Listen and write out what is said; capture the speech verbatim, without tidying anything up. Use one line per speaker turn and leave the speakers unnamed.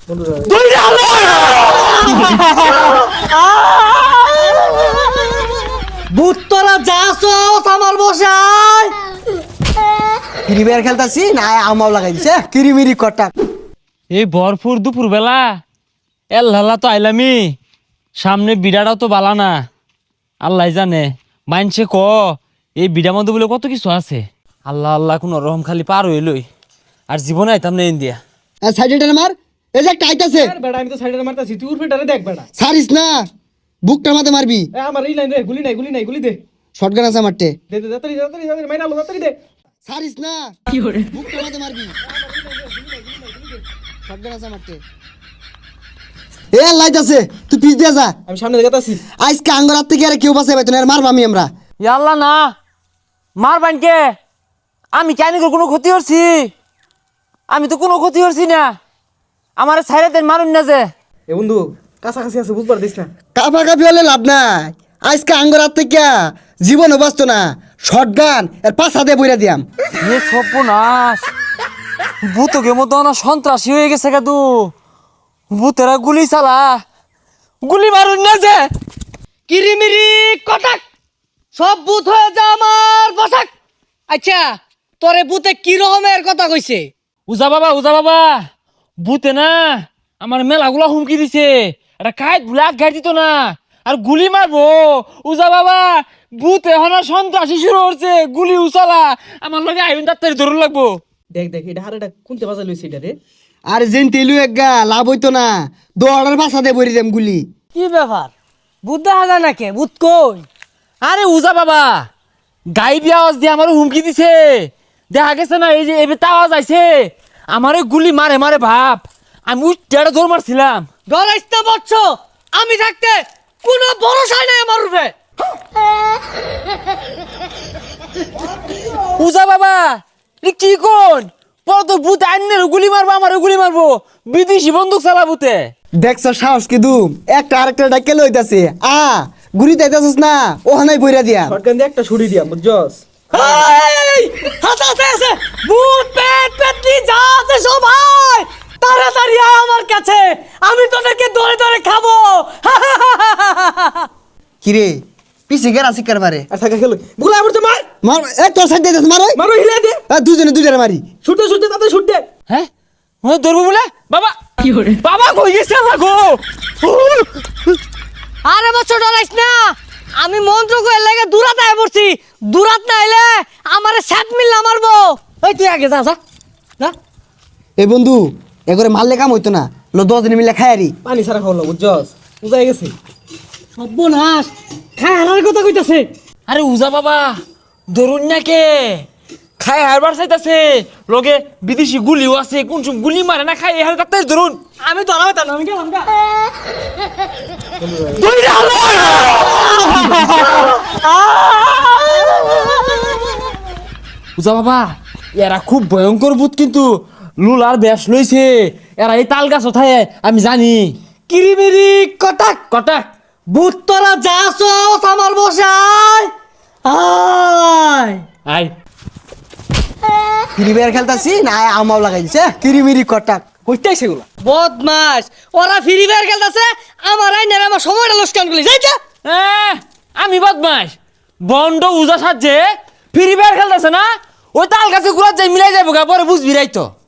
বুত্তরা যাছো আমার বসায়
ক্রিমিয়ার খেলতাছি না আমাও লাগাই দিছে কিরিমিরি কটাক।
এই ভরপুর দুপুর বেলা এল্লাহ তো আইলামি সামনে বিড়াটাও তো বালা না আল্লাহ জানে মানছে ক এই বিড়ার মধ্যে বলে কত কিছু আছে। আল্লাহ আল্লাহ কোন রহম খালি পার হইলই আর জীবনে আইতাম না ইন্ডিয়া।
সাইডে মার এই যে একটা আইতাছে
বেড়া আমি তো সাইডে মারতাছি তুই উঠে ডারে দেখ বেড়া
সারিস না বুকটার মাঝে মারবি।
এ আমার এই লাইন রে গুলি নাই গুলি নাই গুলি দে
শটগান আছে মারতে
দে দে তাড়াতাড়ি তাড়াতাড়ি তাড়াতাড়ি মাইনা লো তাড়াতাড়ি দে
সারিস না কি করে বুকটার মাঝে মারবি শটগান আছে মারতে। এ লাইতাছে তুই পিছ দিয়ে যা
আমি সামনে দেখাতাছি
আজকে আঙ্গর হাত থেকে আর কেউ বাঁচাই পাইতো না আর মারবা আমি আমরা।
আল্লাহ না মার বানকে আমি কেন কোনো ক্ষতি করছি? আমি তো কোনো ক্ষতি করছি না। আমার ছাইরে দেন মারুন না যে।
এ বন্ধু কাছাকাছি আছে বুঝবার দিস না
কাফা কাফি হলে লাভ নাই আজকে আঙ্গর হাত থেকে জীবনও বাঁচতো না শটগান এর পাশা দিয়ে বইরা দিয়াম।
এ সর্বনাশ ভূতকে মতো না সন্ত্রাসী হয়ে গেছে কাদু ভূতেরা গুলি চালা গুলি মারুন না যে।
কিরিমিরি কটাক সব বুথ হয়ে যা আমার বসাক। আচ্ছা তোরে বুতে কি রকমের কথা কইছে?
উজা বাবা উজা বাবা ভূতে না আমার মেলাগুলা হুমকি দিছে এটা কাইট ব্লাক গাড়ি দিত না আর গুলি মারবো। উজা বাবা ভূত এখন সন্ত্রাসী শুরু হচ্ছে গুলি উচালা আমার লগে আইন ডাক্তারি ধরুন লাগবো।
দেখ দেখ এটা হারেটা কোনতে বাজা লইছে এটা রে
আর যেন তেলু একগা লাভ হইতো না দৌড়ার পাশা দিয়ে বইরা দিয়াম গুলি।
কি ব্যাপার বুধ দেখা যায় নাকি বুধ কই?
আরে উজা বাবা গাইবি আওয়াজ দিয়ে আমারও হুমকি দিছে দেখা গেছে না এই যে এবার আওয়াজ আইছে আমারে গুলি মারে মারে ভাব আমি উচ্চাটা দৌড় মারছিলাম।
ডরাইস না বচ্চ আমি থাকতে কোনো ভরসা নাই আমার উপরে।
উজা বাবা এ কি কোন পর তো ভূত আইনের গুলি মারবো আমারও গুলি মারবো বিদেশি বন্দুক চালাবুতে।
দেখছ সাহস কি দুম একটা আরেকটা ডাকে লইতাছে আ গুলি দিতেছস না ওখানেই বইরা দিয়াম।
শটগান দিয়ে একটা ছুরি দিয়া বুঝছস
এই হাতাতে আছে ভূত পেট পেটনি যা আছে সবাই তাড়াতাড়ি আয় আমার কাছে আমি তোদেরকে ধরে ধরে খাবো।
কিরে পিছে গেরা শিকার মারে
আর থাকা খেলো গুলা পড়ছে মার
মার এ তোর সাইড দিতেছ মার ওই
মারো হিলা দে
দুজনে দুইটারে মারি।
ছুটে ছুটে তাতে ছুট দে
হ্যাঁ ও ধরবো বলে বাবা কি করে বাবা কই গেছে লাগো।
আরে বচ্চ ডরাইস না আমি মন্ত্র কই লাগে দূরাত আয় পড়ছি দূরাত না আইলে আমারে সাত মিল্লা মারবো। ওই তুই আগে যা যা যা।
এ বন্ধু এগরে মারলে কাম হইতো না লো দশ দিন মিলে খায়ারি।
পানি ছাড়া খাওয়ালো বুঝছস বুঝাই গেছে
সর্বনাশ খায় হারার কথা কইতাছে।
আরে উজা বাবা ধরুন না কে খাই হারবার চাইতাছে লগে বিদেশি গুলিও আছে কোন সব গুলি মারে না খাই হার কাটতে ধরুন
আমি ধরাবে তা না আমি গেলাম গা।
উজা বাবা এরা খুব ভয়ঙ্কর ভূত কিন্তু লুলার বেশ লইছে এরা এই তাল গাছ ওঠায় আমি জানি।
কিরিমিরি কটাক
কটাক
ভূত তোরা যাছো আমার বসায় আয়
আই
ক্রিমিয়ার খেলতাছি না আমাও লাগাই দিছে কিরিমিরি কটাক।
কইতাই সেগুলা
বদমাস ওরা ফ্রি ফায়ার খেলতেছে আমার আইনের আমার সময়টা লস্কান করলি যাই যা।
এ, আমি বদমাস বন্ড উজা সাজে ফ্রি ফায়ার খেলতেছে না ওই তাল গাছে ঘুরা যাই মিলাই যাবো গা পরে বুঝবি রাই তো।